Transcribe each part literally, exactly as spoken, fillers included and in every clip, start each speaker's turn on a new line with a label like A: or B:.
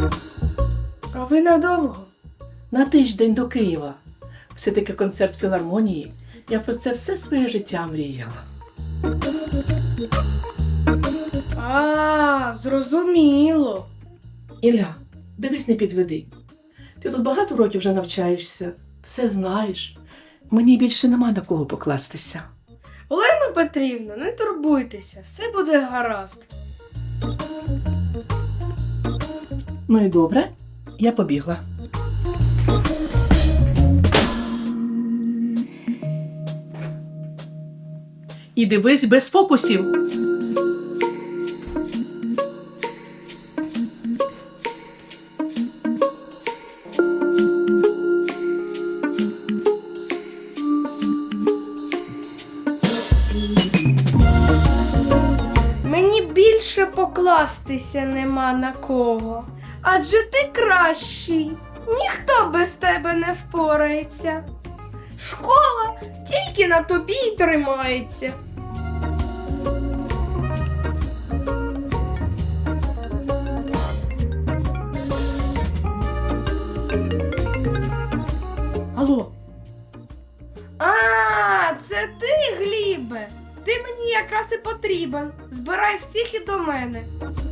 A: А ви надовго? На тиждень до Києва. Все-таки концерт філармонії. Я про це все своє життя мріяла.
B: А, зрозуміло.
A: Ілля, дивись, не підведи. Ти тут багато років вже навчаєшся, все знаєш. Мені більше нема на кого покластися.
B: Олена Петрівна, не турбуйтеся, все буде гаразд.
A: Ну і добре, я побігла. І дивись без фокусів.
B: Мені більше покластися нема на кого. Адже ти кращий. Ніхто без тебе не впорається. Школа тільки на тобі й тримається.
A: Алло,
B: А, це ти, Глібе. Ти мені якраз і потрібен. Збирай всіх і до мене.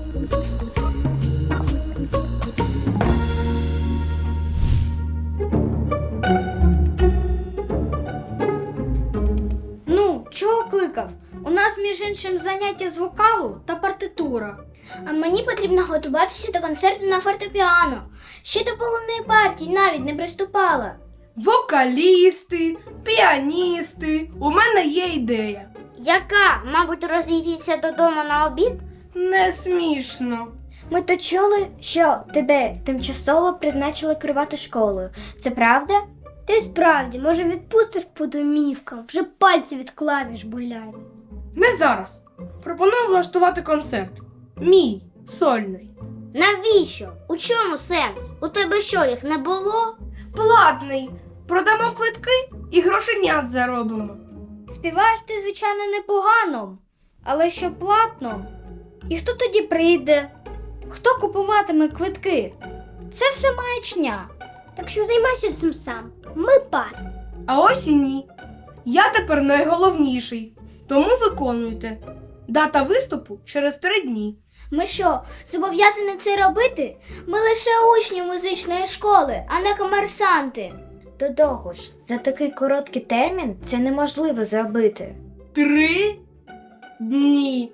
C: Ну, чого кликав? У нас, між іншим, заняття з вокалу та партитура.
D: А мені потрібно готуватися до концерту на фортепіано. Ще до повної партії навіть не приступала.
B: Вокалісти, піаністи. У мене є ідея.
D: Яка? Мабуть, розійдіться додому на обід?
B: Не смішно.
D: Ми то чули, що тебе тимчасово призначили керувати школою. Це правда? Та й справді, може відпустиш по домівкам, вже пальці від клавіш болять.
B: Не зараз. Пропоную влаштувати концерт. Мій, сольний.
D: Навіщо? У чому сенс? У тебе що, їх не було?
B: Платний. Продамо квитки і грошенят заробимо.
C: Співаєш ти, звичайно, непогано, але що платно? І хто тоді прийде? Хто купуватиме квитки? Це все маячня.
D: Так що займайся цим сам. Ми пас.
B: А ось і ні. Я тепер найголовніший. Тому виконуйте. Дата виступу через три дні.
D: Ми що, зобов'язані це робити? Ми лише учні музичної школи, а не комерсанти. До того ж, за такий короткий термін це неможливо зробити.
B: Три дні.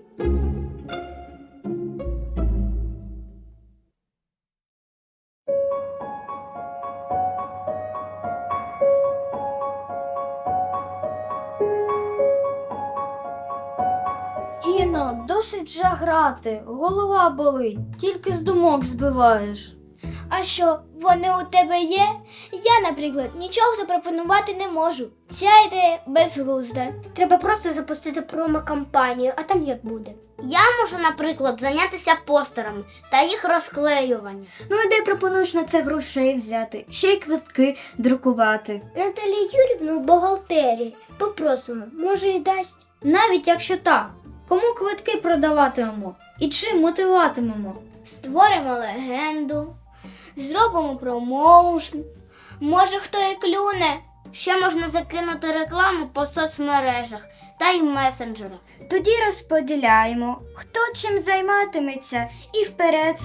C: Іно, досить вже грати, голова болить, тільки з думок збиваєш.
D: А що, вони у тебе є? Я, наприклад, нічого запропонувати не можу. Ця ідея безглузда. Треба просто запустити промо-кампанію, а там як буде. Я можу, наприклад, зайнятися постерами та їх розклеювання.
C: Ну і де пропонуєш на це грошей взяти? Ще й квитки друкувати.
D: Наталію Юрівну в бухгалтерії попросимо, може і дасть.
C: Навіть якщо так, кому квитки продаватимемо і чим мотиватимемо?
D: Створимо легенду, зробимо промоушн. Може, хто і клюне. Ще можна закинути рекламу по соцмережах та й месенджерах.
C: Тоді розподіляємо, хто чим займатиметься, і вперед.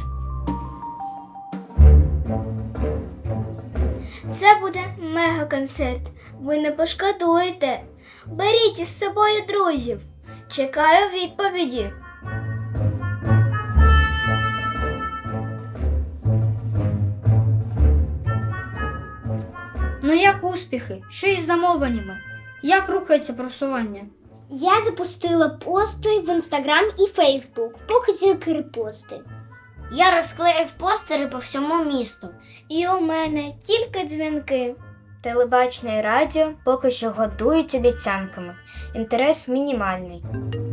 D: Це буде мега-концерт. Ви не пошкодуєте. Беріть із собою друзів. Чекаю відповіді.
C: Ну як успіхи? Що із замовленнями? Як рухається просування?
D: Я запустила пости в Інстаграм і Фейсбук, поки тільки репости. Я розклеїв постери по всьому місту. І у мене тільки дзвінки.
C: Телебачення і радіо поки що годують обіцянками. Інтерес мінімальний.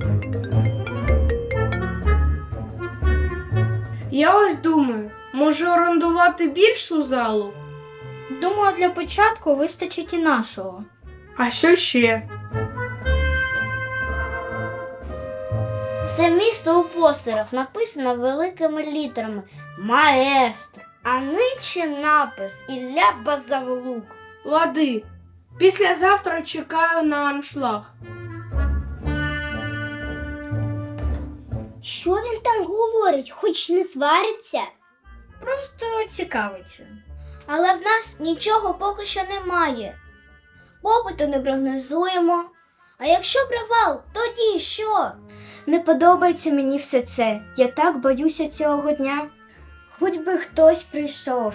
B: Я ось думаю, може орендувати більшу залу?
C: Думаю, для початку вистачить і нашого.
B: А що ще?
D: Все місто у постерах написано великими літерами «Маестро», а нижче напис «Ілля Базавлук».
B: Лади, післязавтра чекаю на аншлаг.
D: Що він там говорить, хоч не свариться?
C: Просто цікавиться.
D: Але в нас нічого поки що немає. Попиту не прогнозуємо. А якщо провал, тоді що?
C: Не подобається мені все це. Я так боюся цього дня. Хоч би хтось прийшов.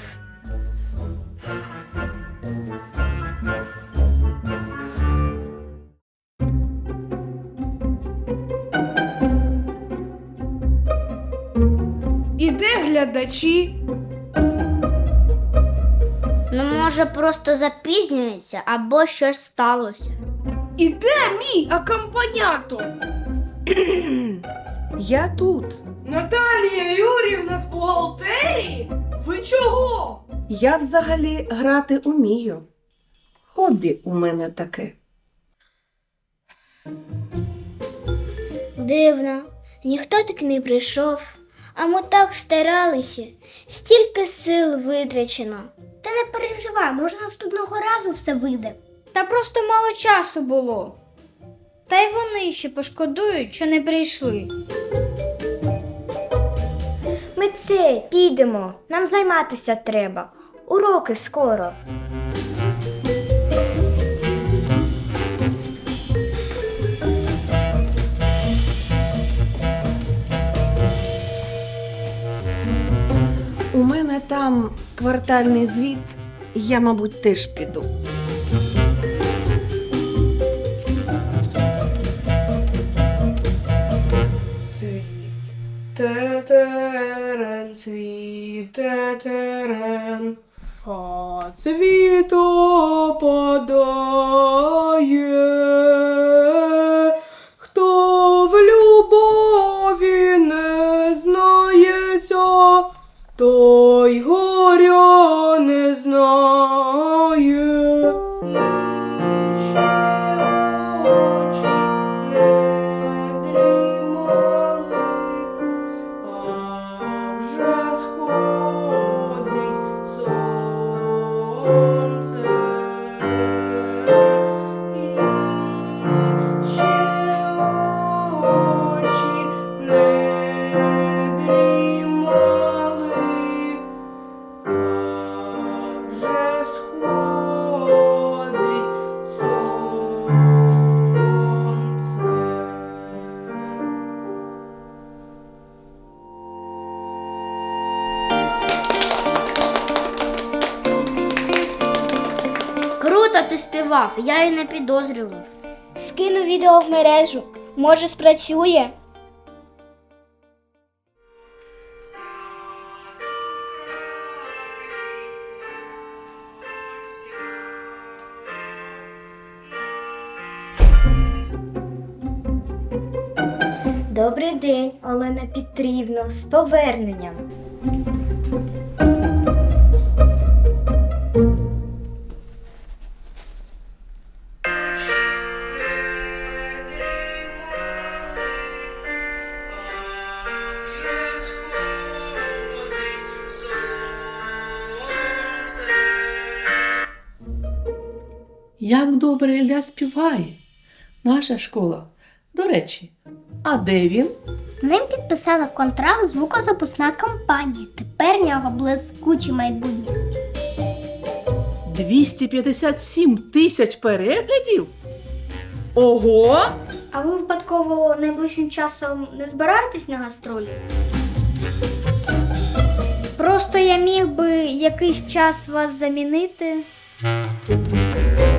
B: І де глядачі?
D: Ну, може, просто запізнюється або щось сталося.
B: І де мій акомпанятор?
A: Я тут.
B: Наталія Юрівна з бухгалтерії? Ви чого?
A: Я взагалі грати умію. Хобі у мене таке.
D: Дивно, ніхто так не прийшов. А ми так старалися, стільки сил витрачено. Та не переживай, може наступного разу все вийде.
C: Та просто мало часу було. Та й вони ще пошкодують, що не прийшли.
E: Ми це, підемо. Нам займатися треба. Уроки скоро.
A: У мене там квартальний звіт, я, мабуть, теж піду.
B: Цвіт, тетерен, цвіт, тетерен, а цвіт опадає. Хто в любові не знається, той горя не знає. І ще очі не дрімали, а вже сходить сонце. І ще очі не дрімали, а вже сходить сонце.
D: Круто ти співав, я й не підозрював. Скину відео в мережу, може спрацює.
E: Добрий день, Олена Петрівна, з поверненням.
A: Як добре Ілля співає. Наша школа. До речі, а де він?
D: З ним підписала контракт звукозаписна компанія. Тепер в нього блискуче майбутнє.
A: двісті п'ятдесят сім тисяч переглядів? Ого!
C: А ви випадково найближчим часом не збираєтесь на гастролі? Просто я міг би якийсь час вас замінити.